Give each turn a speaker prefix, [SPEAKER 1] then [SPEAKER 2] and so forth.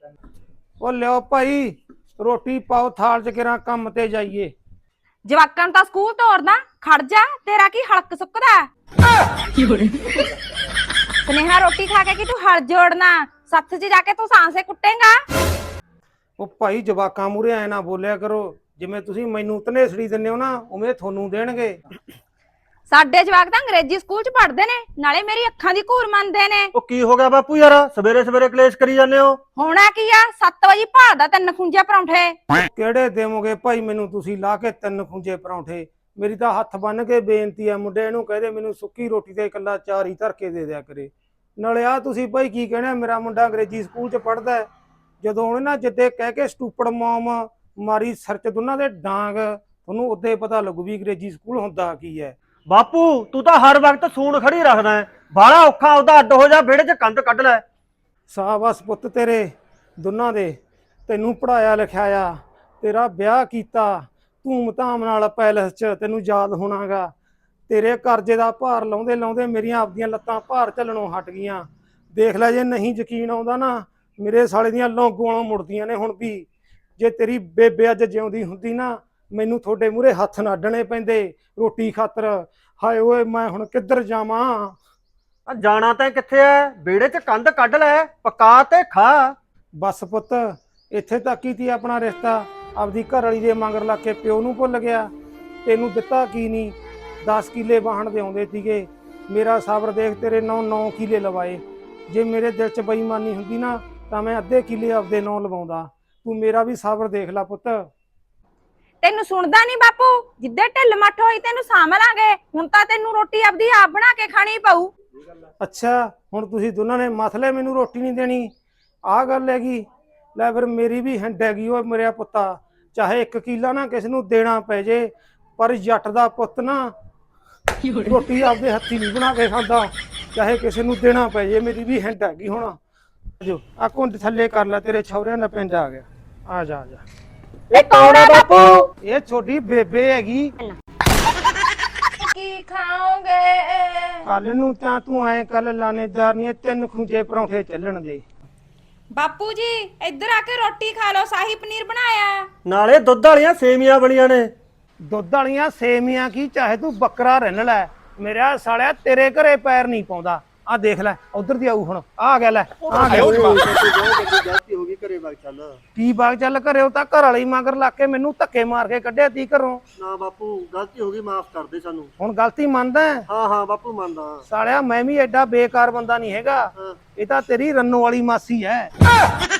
[SPEAKER 1] ਉਹ ਲਿਓ ਭਾਈ ਰੋਟੀ ਪਾਓ ਥਾਲ ਚ ਕਿਰਾਂ ਕੰਮ ਤੇ ਜਾਈਏ।
[SPEAKER 2] ਜਵਾਕਾਂ ਨੂੰ ਤਾਂ ਸਕੂਲ ਤੋਰਨਾ, ਖੜ ਜਾ, ਤੇਰਾ ਕੀ ਹਲਕ ਸੁੱਕਦਾ। ਸੁਨੇਹਾ ਰੋਟੀ ਖਾ ਕੇ ਕਿ ਤੂੰ ਹਲ ਜੋੜਨਾ, ਸੱਥ 'ਚ ਜਾ ਕੇ ਤੂੰ ਸਾਂਸੇ ਕੁੱਟੇਗਾ।
[SPEAKER 1] ਉਹ ਭਾਈ ਜਵਾਕਾਂ ਮੂਹਰੇ ਐ ਨਾ ਬੋਲਿਆ ਕਰੋ, ਜਿਵੇਂ ਤੁਸੀਂ ਮੈਨੂੰ ਧਨੇਸੜੀ ਦਿੰਦੇ ਹੋ ਨਾ ਉਵੇਂ ਤੁਹਾਨੂੰ ਦੇਣਗੇ।
[SPEAKER 2] ਸਾਡੇ ਜਵਾਕ ਤਾਂ ਅੰਗਰੇਜ਼ੀ ਸਕੂਲ 'ਚ ਪੜ੍ਹਦੇ ਨੇ, ਨਾਲੇ ਮੇਰੀ ਅੱਖਾਂ ਦੀ ਘੂਰ ਮੰਨਦੇ ਨੇ।
[SPEAKER 3] ਉਹ ਕੀ ਹੋ ਗਿਆ ਬਾਪੂ ਯਾਰ, ਸਵੇਰੇ ਸਵੇਰੇ ਕਲੇਸ਼ ਕਰੀ ਜਾਂਦੇ ਹੋ?
[SPEAKER 2] ਹੋਣਾ ਕੀ ਆ, 7 ਵਜੇ ਭਾਲਦਾ 3 ਖੁੰਝੇ ਪਰੌਂਠੇ।
[SPEAKER 1] ਕਿਹੜੇ ਦੇਵੋਗੇ ਭਾਈ ਮੈਨੂੰ ਤੁਸੀਂ ਲਾ ਕੇ 3 ਖੁੰਝੇ ਪਰੌਂਠੇ? ਮੇਰੀ ਤਾਂ ਹੱਥ ਬੰਨ ਕੇ ਬੇਨਤੀ ਆ, ਮੁੰਡੇ ਨੂੰ ਕਹਦੇ ਮੈਨੂੰ ਸੁੱਕੀ ਰੋਟੀ ਤੇ ਇਕੱਲਾ 4 ਹੀ ਧਰ ਕੇ ਦੇ ਦਿਆ ਕਰੇ। ਨਾਲੇ ਆ ਤੁਸੀਂ ਭਾਈ ਕੀ ਕਹਿਣਾ, ਮੇਰਾ ਮੁੰਡਾ ਅੰਗਰੇਜ਼ੀ ਸਕੂਲ 'ਚ ਪੜ੍ਹਦਾ, ਜਦੋਂ ਉਹਨੇ ਨਾ ਜਿੱਦੇ ਕਹਿ ਕੇ ਸਟੂਪੜ ਮੌਮ ਮਾਰੀ ਸਿਰ 'ਚ ਦੋਨਾਂ ਦੇ ਡਾਂਗ, ਤੁਹਾਨੂੰ ਉਦੋਂ ਪਤਾ ਲੱਗੂ ਵੀ ਅੰਗਰੇਜ਼ੀ ਸਕੂਲ ਹੁੰਦਾ ਕੀ ਹੈ।
[SPEAKER 3] ਬਾਪੂ ਤੂੰ ਤਾਂ ਹਰ ਵਕਤ ਸੂਣ ਖੜੀ ਰੱਖਦਾ ਹੈ, ਬਾਹਲਾ ਔਖਾ ਉਹਦਾ ਅੱਡ ਹੋ ਜਾ, ਵਿਹੜੇ 'ਚ ਕੰਧ ਕੱਢ ਲੈ।
[SPEAKER 1] ਸਾਬਸ ਪੁੱਤ ਤੇਰੇ ਦੋਨਾਂ ਦੇ, ਤੈਨੂੰ ਪੜਾਇਆ ਲਿਖਾਇਆ, ਤੇਰਾ ਵਿਆਹ ਕੀਤਾ ਧੂਮ ਧਾਮ ਨਾਲ ਪੈਲਸ 'ਚ, ਤੈਨੂੰ ਯਾਦ ਹੋਣਾਗਾ। ਤੇਰੇ ਕਰਜ਼ੇ ਦਾ ਭਾਰ ਲਾਉਂਦੇ ਲਾਉਂਦੇ ਮੇਰੀਆਂ ਆਪਦੀਆਂ ਲੱਤਾਂ ਭਾਰ ਝੱਲਣੋਂ ਹਟ ਗਈਆਂ। ਦੇਖ ਲੈ, ਜੇ ਨਹੀਂ ਯਕੀਨ ਆਉਂਦਾ ਨਾ, ਮੇਰੇ ਸਾਲੇ ਦੀਆਂ ਲੌਂਗੋਆਂ ਮੁੜਦੀਆਂ ਨੇ ਹੁਣ ਵੀ। ਜੇ ਤੇਰੀ ਬੇਬੇ ਅੱਜ ਜਿਉਂਦੀ ਹੁੰਦੀ ਨਾ, ਮੈਨੂੰ ਤੁਹਾਡੇ ਮੂਹਰੇ ਹੱਥ ਨਾ ਅੱਡਣੇ ਪੈਂਦੇ ਰੋਟੀ ਖਾਤਰ। ਹਾਏ ਓਏ ਮੈਂ ਹੁਣ ਕਿੱਧਰ ਜਾਵਾਂ?
[SPEAKER 3] ਆ ਜਾਣਾ ਤਾਂ ਕਿੱਥੇ ਐ, ਵਿਹੜੇ 'ਚ ਕੰਧ ਕੱਢ ਲੈ, ਪਕਾ ਤੇ ਖਾ।
[SPEAKER 1] ਬਸ ਪੁੱਤ ਇੱਥੇ ਤੱਕ ਹੀ ਤੀ ਆਪਣਾ ਰਿਸ਼ਤਾ। ਆਪਦੀ ਘਰ ਵਾਲੀ ਦੇ ਮਗਰ ਲੱਗ ਕੇ ਪਿਓ ਨੂੰ ਭੁੱਲ ਗਿਆ। ਤੈਨੂੰ ਦਿੱਤਾ ਕੀ ਨਹੀਂ, 10 ਕਿੱਲੇ ਵਾਹਣ ਦੇ ਆਉਂਦੇ ਸੀਗੇ। ਮੇਰਾ ਸਬਰ ਦੇਖ, ਤੇਰੇ 9 ਕਿੱਲੇ ਲਵਾਏ। ਜੇ ਮੇਰੇ ਦਿਲ 'ਚ ਬੇਈਮਾਨੀ ਹੁੰਦੀ ਨਾ ਤਾਂ ਮੈਂ ਅੱਧੇ ਕਿੱਲੇ ਆਪਦੇ ਨਾਂ ਲਵਾਉਂਦਾ। ਤੂੰ ਮੇਰਾ ਵੀ ਸਬਰ ਦੇਖ ਲੈ ਪੁੱਤ।
[SPEAKER 2] ਤੈਨੂੰ ਸੁਣਦਾ ਨਹੀਂ ਬਾਪੂ, ਜਿੱਦੇ ਢਿੱਲ ਮੱਠ ਹੋਈ ਤੈਨੂੰ ਸਾਂਭ ਲਾਂਗੇ। ਹੁਣ ਤਾਂ ਤੈਨੂੰ ਰੋਟੀ ਆਪਦੀ ਆਪ ਬਣਾ ਕੇ ਖਾਣੀ ਪਊ।
[SPEAKER 1] ਅੱਛਾ ਹੁਣ ਤੁਸੀਂ ਦੋਨਾਂ ਨੇ ਮਸਲੇ ਮੈਨੂੰ ਰੋਟੀ ਨਹੀਂ ਦੇਣੀ, ਆਹ ਗੱਲ ਹੈਗੀ। ਲੈ ਫਿਰ ਮੇਰੀ ਵੀ ਹਿੰਡ ਹੈਗੀ ਓ ਮੇਰਾ ਪੁੱਤਾ, ਚਾਹੇ 1 ਕਿੱਲਾ ਨਾ ਕਿਸੇ ਨੂੰ ਦੇਣਾ ਪੈ ਜੇ, ਪਰ ਜੱਟ ਦਾ ਪੁੱਤ ਨਾ ਰੋਟੀ ਆਪਦੇ ਹੱਥੀ ਨਹੀਂ ਬਣਾ ਕੇ ਖਾਂਦਾ, ਚਾਹੇ ਕਿਸੇ ਨੂੰ ਦੇਣਾ ਪੈ ਜੇ। ਮੇਰੀ ਵੀ ਹਿੰਡ ਹੈਗੀ। ਹੁਣ ਜੋ ਆ ਘੁੰਡ ਥੱਲੇ ਕਰ ਲੈ, ਤੇਰੇ ਛੌਰਿਆਂ ਦਾ ਪਿੰਡ ਆ ਗਿਆ। ਆ ਜਾ ਆ ਜਾ।
[SPEAKER 3] ਇਹ ਕੌਣ ਹੈ ਬਾਪੂ?
[SPEAKER 1] ਇਹ ਛੋਟੀ ਬੇਬੇ ਹੈਗੀ।
[SPEAKER 2] ਕੀ ਖਾਓਗੇ?
[SPEAKER 1] ਕੱਲ ਨੂੰ ਤਾਂ ਤੂੰ ਐ ਕੱਲ ਲਾਣੇਦਾਰ ਨਹੀਂ 3 ਖੁੰਝੇ ਪਰੌਂਠੇ ਚੱਲਣ ਦੇ।
[SPEAKER 2] ਬਾਪੂ ਜੀ ਇੱਧਰ ਆ ਕੇ ਰੋਟੀ ਖਾ ਲਓ, ਸ਼ਾਹੀ ਪਨੀਰ ਬਣਾਇਆ।
[SPEAKER 3] ਨਾਲੇ ਦੁੱਧ ਵਾਲੀਆਂ ਸੇਵੀਆਂ ਬਣੀਆਂ ਨੇ।
[SPEAKER 1] ਦੁੱਧ ਵਾਲੀਆਂ ਸੇਵੀਆਂ ਕੀ, ਚਾਹੇ ਤੂੰ ਬੱਕਰਾ ਰਿੰਨ ਲੈ, ਮੇਰਾ ਸਾਲਿਆ ਤੇਰੇ ਘਰੇ ਪੈਰ ਨਹੀਂ ਪਾਉਂਦਾ। ਆ ਦੇਖ ਲੈ ਉਧਰ ਦੀ ਆਊ ਹੁਣ, ਆ ਗਿਆ ਲੈ ਆ ਗਿਆ।
[SPEAKER 3] ਗਲਤੀ ਹੋ ਗਈ, ਘਰੇ ਵਗ ਚੱਲ।
[SPEAKER 1] ਕੀ ਬਾਗ ਚੱਲ ਘਰੇ? ਉਹ ਤਾਂ ਘਰ ਵਾਲੀ ਮਗਰ ਲੱਗ ਕੇ ਮੈਨੂੰ ਧੱਕੇ ਮਾਰ ਕੇ ਕੱਢਿਆ ਤੀ ਘਰੋਂ।
[SPEAKER 3] ਨਾ ਬਾਪੂ ਗਲਤੀ ਹੋ ਗਈ, ਮਾਫ ਕਰ ਦੇ ਸਾਨੂੰ।
[SPEAKER 1] ਹੁਣ ਗਲਤੀ ਮੰਨਦਾ?
[SPEAKER 3] ਹਾਂ ਹਾਂ ਬਾਪੂ ਮੰਨਦਾ।
[SPEAKER 1] ਸਾਲਿਆ ਮੈਂ ਵੀ ਐਡਾ ਬੇਕਾਰ ਬੰਦਾ ਨਹੀਂ ਹੈਗਾ। ਇਹ ਤਾਂ ਤੇਰੀ ਰੰਨੋ ਵਾਲੀ ਮਾਸੀ ਹੈ।